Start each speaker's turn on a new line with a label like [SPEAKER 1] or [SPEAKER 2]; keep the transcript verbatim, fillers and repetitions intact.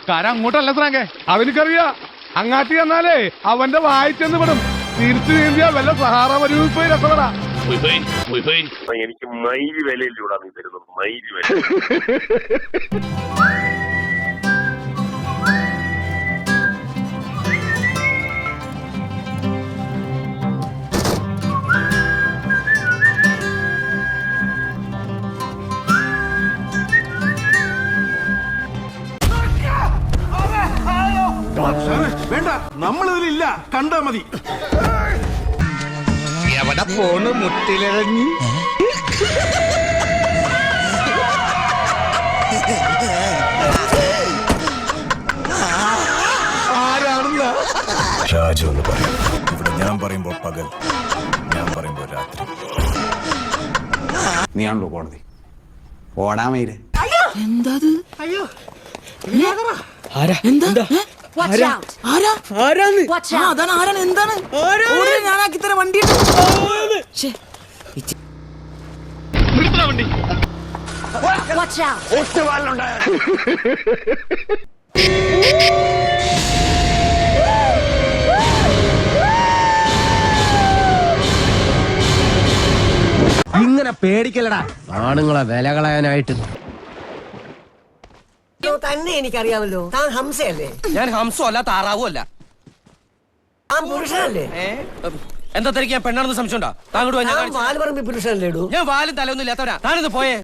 [SPEAKER 1] കാര്യം അങ്ങോട്ടല്ല സ്രാങ്കേ, അവനിക്കറിയാ അങ്ങാട്ടി ചെന്നാലേ അവന്റെ വായിച്ചെന്ന് വിടും. തിരിച്ചു നീന്തിയ വല്ല സഹാറ മരുഭൂമിയിൽ പോയി രസപ്പെടാ.
[SPEAKER 2] എനിക്ക് മൈലി വിലയിലൂടെ നീ തരുന്നത്, മൈലി വില.
[SPEAKER 3] വേണ്ട, നമ്മളിതിലില്ല, കണ്ടാ മതി.
[SPEAKER 4] എവിടെ പോണ് മുട്ടിലിറങ്ങി? ആരാണെന്ന
[SPEAKER 3] ഷാജു എന്ന് പറയും. ഇവിടെ ഞാൻ പറയുമ്പോ പകൽ, ഞാൻ പറയുമ്പോ രാത്രി.
[SPEAKER 4] നീയാണല്ലോ കോടതി. ഓടാമയില്
[SPEAKER 5] എന്താ അയ്യോ അതാണ് ആരാണ് എന്താണ് ഞാനാക്കി തരാം വണ്ടി.
[SPEAKER 6] ഇങ്ങനെ പേടിക്കലടാ ആണുങ്ങളെ വില കളയാനായിട്ട്.
[SPEAKER 7] തന്നെ എനിക്കറിയാമല്ലോ, താൻ ഹംസയല്ലേ?
[SPEAKER 6] ഞാൻ ഹംസോ അല്ല താറാവോ അല്ല.
[SPEAKER 7] താൻ പുരുഷനല്ലേ?
[SPEAKER 6] എന്താ തിരക്ക്? ഞാൻ പെണ്ണാണെന്ന് സംശയം ഉണ്ടോ? താങ്കോട്ട്
[SPEAKER 7] വാല് പറമ്പി പുരുഷനല്ലേടൂ?
[SPEAKER 6] ഞാൻ വാലും തലയൊന്നും ഇല്ലാത്തവരാ. താനൊന്ന് പോയേ.